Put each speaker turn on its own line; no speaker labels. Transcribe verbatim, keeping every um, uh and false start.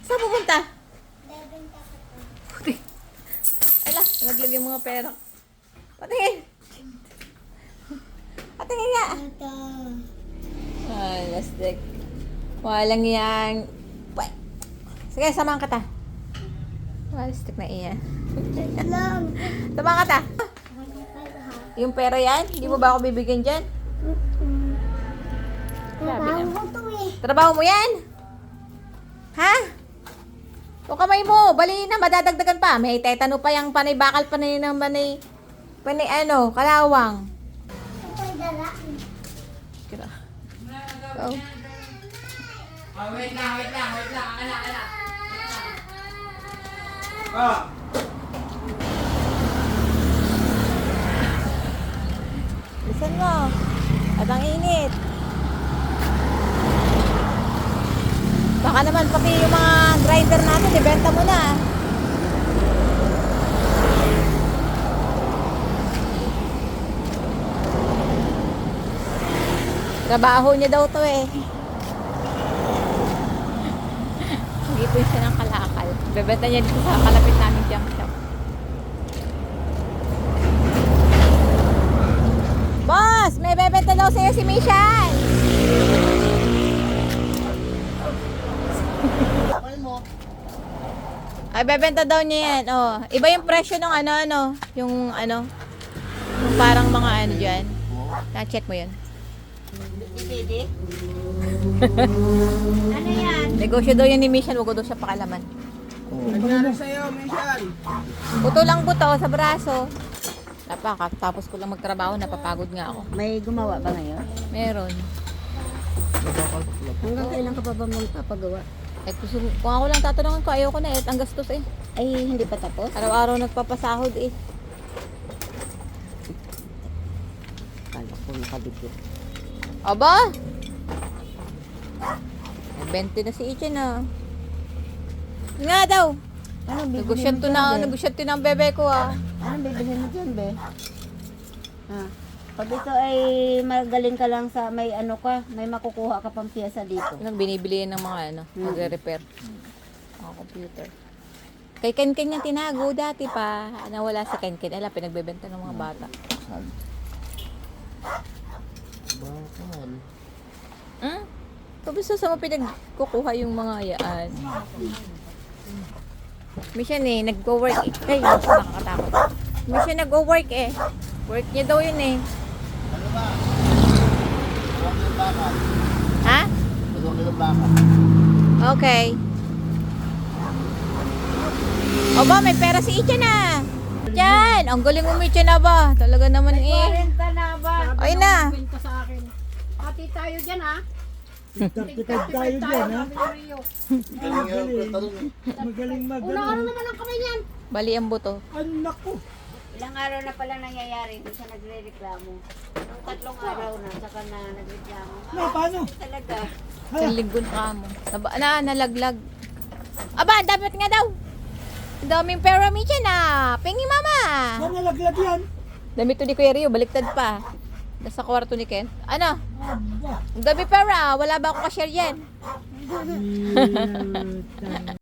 Saan pupunta?
Bebenta ko to.
Puti. Ay lang, naglagay yung mga pera. Patingin. Patingin nga.
Ito.
Ay, lastik. Walang yan. Pway. Sige, samahan ka ta. Lastik na iyan.
Lang.
Samahan ka ta. Yung pera yan, hindi mo ba ako bibigyan dyan? Sabi
Trabaho
na.
ko to eh.
Trabaho mo yan? Ha? O kamay mo, bali na, madadagdagan pa. May tetano pa yung panay bakal, panay ng panay, panay ano, kalawang.
Ito ay dala.
Kira. Oh.
Oh, wait lang, wait lang, wait lang. Ala, ala. Ah.
Listen mo. At ang init. Baka naman pati yung mga grinder natin, ibenta mo na. Trabaho niya daw to eh. Dito siya ng kalakal. Bebenta niya dito sa kalapit namin junk shop. Boss! May bebenta daw sa'yo si Mishan! Ay, bebenta daw niya yan. Oh, iba yung presyo ng ano, ano. Yung ano. Yung parang mga ano dyan. Na-check mo yun.
Ano yan?
Negosyo daw yun ni Mishan. Huwag ko daw siya pakalaman.
Nangyari sa'yo, Michelle.
Buto lang buto sa braso. Napaka, tapos ko lang magtrabaho, napapagod nga ako.
May gumawa ba ngayon?
Meron.
Hanggang kailan ka pa ba magpapagawa?
Eh, gusto, kung ako lang tatanungin ko, ayaw ko na eh. Ang gastos eh.
Ay, hindi pa tapos?
Araw-araw nagpapasahod eh.
Kala ko nakabigyo.
Aba! twenty na si Ichen ah. Nga daw.
Ano bibilhin
Negosyan
mo
to
dyan,
na,
be?
negosyan to ng bebe ko ah.
Anong bibilhin mo dyan, be? Ha? Pag ito ay magaling ka lang sa may ano ka, may makukuha ka pang piyesa dito.
Yun ang binibili ng mga ano,
Hmm.
magre-repair. Mga computer. Kay Ken Ken yung tinago dati pa. Nawala si Ken Ken. Ala, pinagbebenta ng mga bata.
Bakal.
Hmm? Kamusta sa mo pinagkukuha yung mga yaan? Mission eh, nag-go-work eh. Ay, nakakatakot. Mission nag-go-work eh. Work niya daw yun eh.
Ano ba? Huwag yung bakal.
Ha?
Huwag yung bakal.
Okay. O ba, may pera si Icha na. Diyan, ang galing umicha na ba? Talaga naman eh.
Kwenta na ba?
Ay na.
Kwenta sa akin. Pati tayo dyan, ha?
Tikad tayo dyan, ha?
Magaling.
Magaling mag
Unang ano naman ang kamay niyan?
Bali ang buto.
Anak ko.
Ilang araw na pala nangyayari, hindi siya nagre-reklamo. Nung tatlong araw na, saka na nagreklamo.
Na, paano?
Talaga.
Isang linggo na kamo. Naba, na, nalaglag. Aba, dapat nga daw. Ang daming pera mi dyan ah. Pingi mama.
Saan nalaglag yan?
Dami to ni Kuya Rio, baliktad pa. Nasa kwarto ni Ken. Ano?
Aba.
Ang dami pera. Wala ba ako ka-share yan?
Puta.